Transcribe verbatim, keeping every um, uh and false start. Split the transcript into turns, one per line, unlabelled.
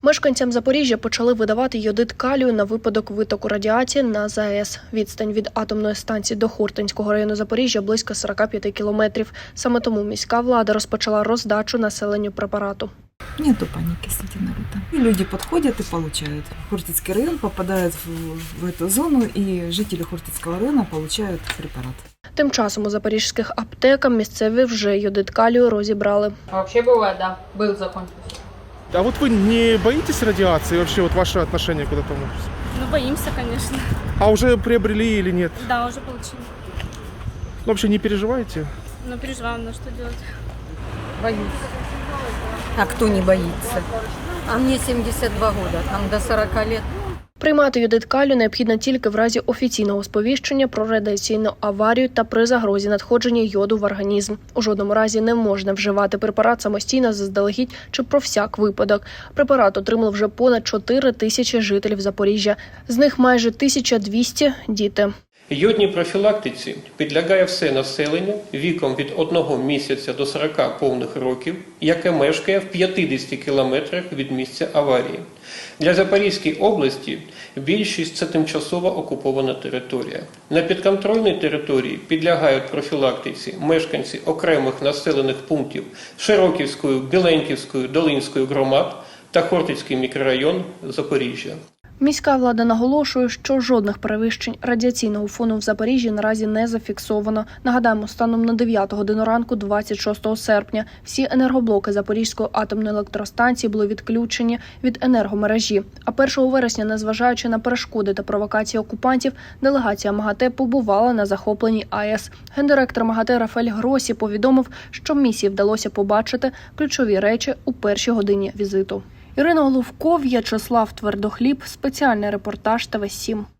Мешканцям Запоріжжя почали видавати йодид калію на випадок витоку радіації на ЗАЕС. Відстань від атомної станції до Хортинського району Запоріжжя близько сорок п'ять кілометрів. Саме тому міська влада розпочала роздачу населенню препарату.
Нету паники среди народа. И люди подходят и получают. Хортицкий район попадает в, в эту зону, и жители Хортицкого района получают препарат.
Тим часом у запорізьких аптеках місцеві вже йодид калію розібрали.
Вообще бывает, да. Был закончился.
А вот вы не боитесь радиации? Вообще вот ваше отношение куда-то?
Ну, боимся, конечно.
А уже приобрели или нет?
Да, уже получили.
Ну, вообще не переживаете?
Но переживаем, на что делать.
Боюсь.
А кто не боится? А мне семьдесят два года, там до сорока лет.
Приймати йодид калію необхідно тільки в разі офіційного сповіщення про радіаційну аварію та при загрозі надходження йоду в організм. У жодному разі не можна вживати препарат самостійно заздалегідь чи про всяк випадок. Препарат отримали вже понад чотири тисячі жителів Запоріжжя. З них майже тисяча двісті – діти.
Йодній профілактиці підлягає все населення віком від одного місяця до сорока повних років, яке мешкає в п'ятдесяти кілометрах від місця аварії. Для Запорізької області більшість – це тимчасово окупована територія. На підконтрольній території підлягають профілактиці мешканці окремих населених пунктів Широківської, Біленьківської, Долинської громад та Хортицький мікрорайон Запоріжжя.
Міська влада наголошує, що жодних перевищень радіаційного фону в Запоріжжі наразі не зафіксовано. Нагадаємо, станом на дев'яту годину ранку двадцять шостого серпня всі енергоблоки Запорізької атомної електростанції були відключені від енергомережі. А першого вересня, незважаючи на перешкоди та провокації окупантів, делегація МАГАТЕ побувала на захопленій АЕС. Гендиректор МАГАТЕ Рафаель Гросі повідомив, що місії вдалося побачити ключові речі у першій годині візиту. Ірина Головков, В'ячеслав Твердохліб, спеціальний репортаж Т В сім.